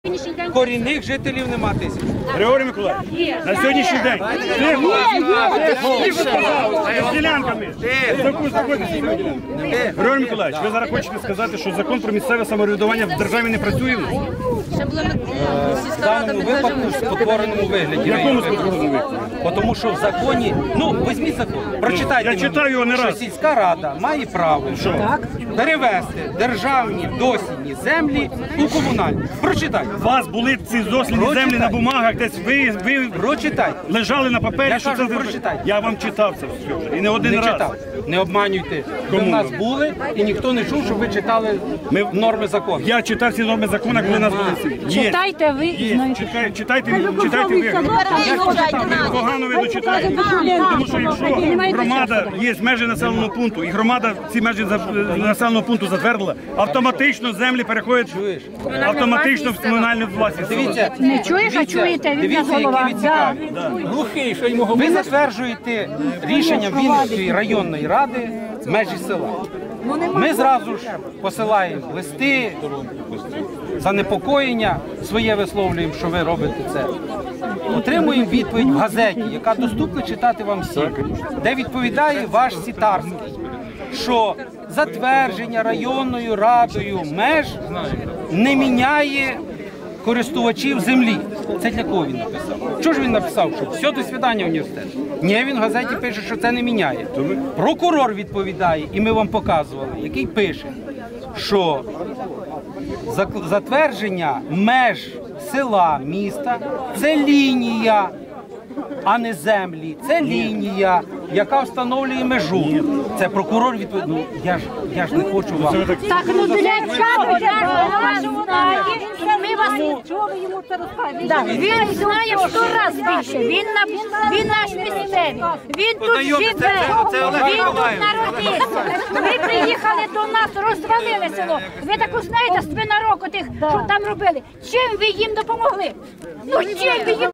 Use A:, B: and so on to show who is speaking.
A: Корінних жителів нема тисяч.
B: Григорій Миколаївич, на сьогоднішній день з ділянками. Григорій Миколаївич, ви зараз хочете сказати, що закон про місцеве самоврядування в державі не працює?
A: В даному випадку в спотвореному вигляді.
B: В якому спотвореному вигляді?
A: Тому що в законі, візьміть закон, прочитайте.
B: Я читаю його не раз.
A: Що сільська рада має право перевести державні дослідні землі у комунальні. Прочитайте.
B: У вас були ці дослідні землі на бумагах, десь ви
A: Прочитайте.
B: лежали на папері.
A: Я кажу, прочитайте.
B: Я вам читав це все і не один раз.
A: Читав. Не обманюйте. Ви в нас були і ніхто не чув, щоб ви читали норми закону.
B: Я читав ці норми закону, коли нас були.
C: Читайте ви і знаєте.
B: Читайте ви. Погано ви дочитаєте. Тому що якщо громада є межі населеного пункту, і громада ці межі населеного пункту затвердила, автоматично землі переходять автоматично в комунальну власність.
A: Дивіться,
C: Не чуєш, а чуєте, він на голова.
A: Глухий, що йому говорити. Ви затверджуєте рішенням Вінницької районної ради межі села. Ми зразу ж посилаємо листи, занепокоєння своє висловлюємо, що ви робите це. Отримуємо відповідь в газеті, яка доступна читати вам всім, де відповідає ваш Сітарський, що затвердження районною радою меж не міняє користувачів землі. Це для кого він написав? Чого ж він написав, що все, до свидання університет? Ні, він в газеті пише, що це не міняє. Прокурор відповідає, і ми вам показували, який пише, що затвердження меж села, міста – це лінія, а не землі. Це лінія, яка встановлює межу. Це прокурор відповідає. Я ж не хочу вам.
C: Так, для чого ми вас чого йому це розказуєте? Він знає в 100 разів більше. Він наш місцевий. Він тут живе. Він тут народився. Ви приїхали до нас, розвалили село. Ви так знаєте, з 12 років, що там робили. Чим ви їм допомогли? Чим ви їм